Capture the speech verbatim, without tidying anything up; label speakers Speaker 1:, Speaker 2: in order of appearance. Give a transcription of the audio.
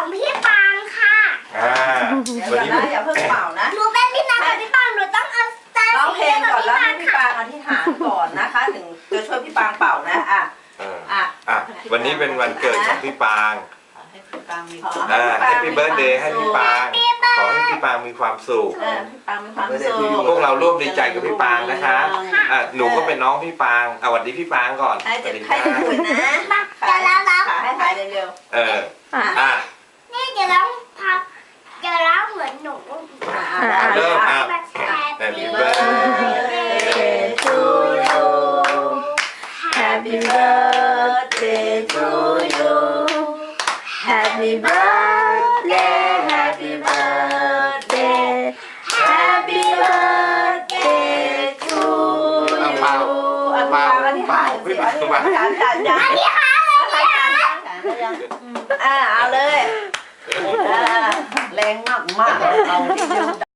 Speaker 1: พี่ปางค่ะ
Speaker 2: อ่าวันนี้
Speaker 3: อย่าเพิ่งเป่านะ
Speaker 1: หนูเป็นพี่นากับพี่ปางหนูต้องเอาตา
Speaker 3: ร้องเพลงก่อนแล้วให้พี่
Speaker 1: ค่ะ
Speaker 3: ปางอธิษฐานก่อนนะคะถึงจะช่วยพี่ปางเป่านะอ่ะอ่ะ
Speaker 2: อ่ะวันนี้เป็นวันเกิดของพี่ปาง
Speaker 3: ให้พี่ปางมี
Speaker 2: อ่าแฮปปี้เบิร์ธเดย์ให้พี่ปางขอให้พี่ปางมีความสุข
Speaker 3: พี่ปางมีความสุข
Speaker 2: พวกเราร่วมดีใจกับพี่ปางนะคะอ่ะหนูก็เป็นน้องพี่ปางอ่ะสวัสดีพี่ปางก่อน
Speaker 3: ให้
Speaker 2: สวัสดี
Speaker 3: ให้คุยนะ
Speaker 1: เดี๋ยวเราร้อง
Speaker 3: ขาให้ถ่ายเร็ว
Speaker 2: เอออ่ะ
Speaker 1: นี่เดี๋ยวร้องพับจะร้องเหมือนหนู
Speaker 2: เริ่มอ่ะ
Speaker 1: Happy
Speaker 3: birthday to you Happy birthday to you Happy birthday Happy birthday Happy birthday to you
Speaker 2: เป่าเป่าเป่าพี่ปางเป่า
Speaker 3: จานจานจานนี่ค่ะอ่าเอาเลยแรงมากมากเราที่ยืน